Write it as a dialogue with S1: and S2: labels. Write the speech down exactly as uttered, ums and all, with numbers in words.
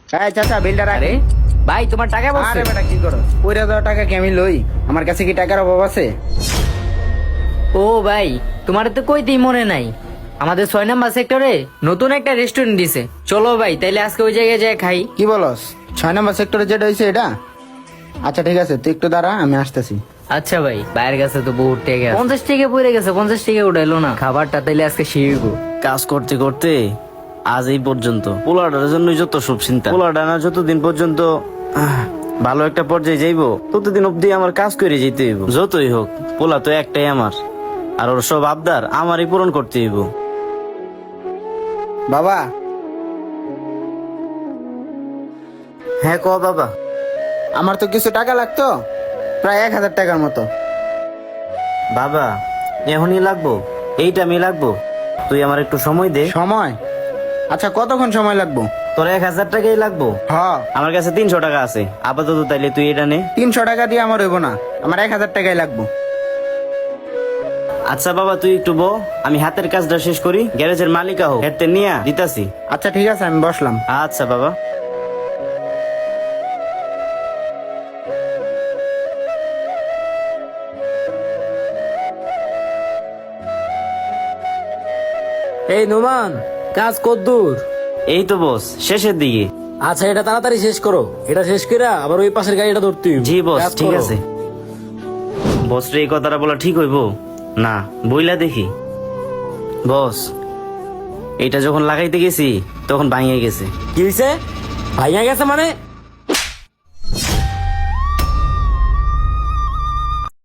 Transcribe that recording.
S1: এই চাচা বিলটা রাখ।
S2: আরে ভাই তোমার টাকা বলছে।
S1: আরে বেটা কি করো, পয়রা দেওয়া টাকা কি আমি লই? আমার কাছে কি টাকার অভাব আছে?
S2: ও ভাই তোমার তো কইতেই মনে নাই, আমাদের ছয় নাম্বার সেক্টরে নতুন একটা রেস্টুরেন্ট দিছে। চলো ভাই তাইলে আজকে ওই জায়গায় যাই খাই।
S1: কি বলস? ছয় নম্বর সেক্টরে যেটা হয়েছে এটা? আচ্ছা ঠিক আছে, তুই একটু দাঁড়া, আমি আসতেছি।
S2: আচ্ছা ভাই, বাইরের কাছে তো বহুত টাকা, পঞ্চাশ টাকা পড়ে গেছে, পঞ্চাশ টাকা উঠাইলো না। খাবারটা তাইলে আজকে শিখব।
S3: কাজ করতে করতে আজ এই পর্যন্ত। পোলাটার জন্যই যত সব চিন্তা। পোলাটা না যতদিন পর্যন্ত আহ, ভালো একটা পর্যায়ে যাইবো, ততদিন অব্দি আমার কাজ করে যেতে হইব। যতই হোক পোলা তো একটাই আমার, আর ওর সব আবদার আমারই পূরণ করতে হইব।
S1: বাবা,
S3: হ্যাঁ ক বাবা।
S1: আমার তো কিছু টাকা লাগতো, প্রায় এক হাজার টাকার মতো।
S3: বাবা এখনই লাগবো, এইটা আমি লাগবো, তুই আমার একটু সময় দে।
S1: সময়? আচ্ছা কতক্ষণ সময় লাগবো?
S3: তোর এক হাজার টাকাই লাগবো?
S1: হ,
S3: আমার কাছে তিনশো টাকা আছে আপাতত, তাইলে তুই এটা নে।
S1: তিনশো টাকা দিয়ে আমার হইব না, আমার এক হাজার টাকাই লাগবো।
S3: আচ্ছা বাবা তুই একটু বো, আমি হাতের কাজটা শেষ করি, গ্যারেজের মালিকা হোক হেতে নিয়া দিতাছি।
S1: আচ্ছা ঠিক আছে, আমি বসলাম।
S3: আচ্ছা বাবা।
S4: এই নোমান, কাজ কদ্দূর?
S3: এই তো বস শেষের দিকে।
S4: আচ্ছা এটা তাড়াতাড়ি শেষ করো, এটা শেষ করে আবার ওই পাশের গাড়িটা ধরতে হইব।
S3: জি বস
S4: কাজ
S3: ঠিক
S4: করো।
S3: আছে। বস রে এই কথাটা বলা ঠিক হইব না, বইলা দেখি। বস এইটা যখন লাগাইতে গেছি তখন ভাঙিয়ে গেছে।
S4: কি হয়েছে? ভাইয়া গেছে মানে?